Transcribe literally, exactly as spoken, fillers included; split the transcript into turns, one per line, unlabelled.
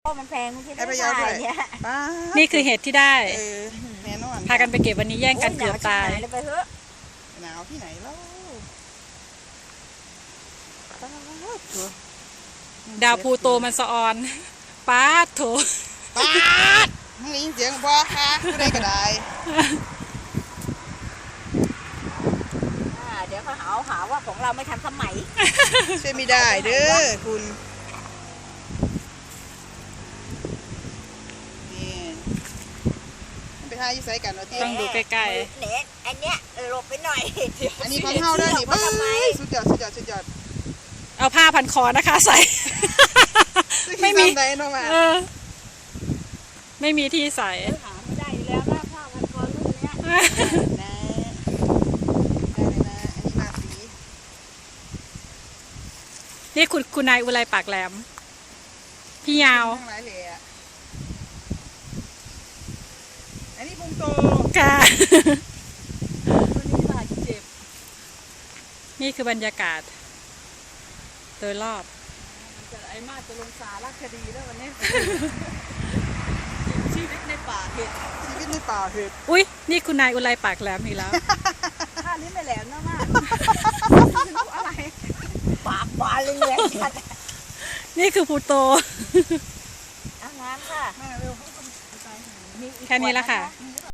มันแพงมันคิด
ให้
ได้
พะเยาด้วย
เนี่ย
ป้า
นี่คือเห็ดที่ได้
เออแน่นอน
พากันไปเก็บวันนี้แย่งกันเกือบตาย
โหนวชิบหเลยไปเถอะ
หนาวที่ไหนเล่าป้าด
ดาวพลูโตมันสะออนป้าดโถ
ป้าดมึงได้ยินเสียงบ่คะผู้ใดก็ได้
อ่าเดี๋ยวเขาหาหาว่าของเราไม่ทันสมัย
ช่วยไม่ได้เด้อคุณนี่มันไปหาอยู่ไสกันวะเตี้ย
ต้องดูใกล้
ๆเน็ตอันเนี้ยเออหลบไปหน่อย
อันนี้ของเฮาเด้อนี่
มาทำไม
เอ้ยสุดยอดสุดยอดสุดยอด
ๆเอาผ้าพันคอนะคะใส่ ไม่มี
ซ้ำใดเนาะมา
เออไม่มีที่ใส่
หาไม่ได้อยู่แล้วหน้าผ้าพันคอรุ่นเนี้ย
นะได้เลยนะอันนี้มาสี
นี่คุณคุณนายอุไรปากแหลม พี่ยาว
ทั้งหลายแหล่อะอันนี้พุงโต
ค่ะ
รุ่นนี้บาดเจ็บ
นี่คือบรรยากาศโดยรอบ
จะไอ้มาจะลงสารคดีแล้ววันนี้ ชีวิตในป่าเห็ด
ชีวิตในป่าเห็ด
อุ้ยนี่คุณนายอุไรปากแหลมอีกแล้ว
ท่านี้ไม่แหลมนะมากอะไรปากบานเลยเนี่ย
นี่คือพลูโต
อาหารค่ะ
มาเร็ว
มีอีก
แค่นี้ละค่ะ
อืม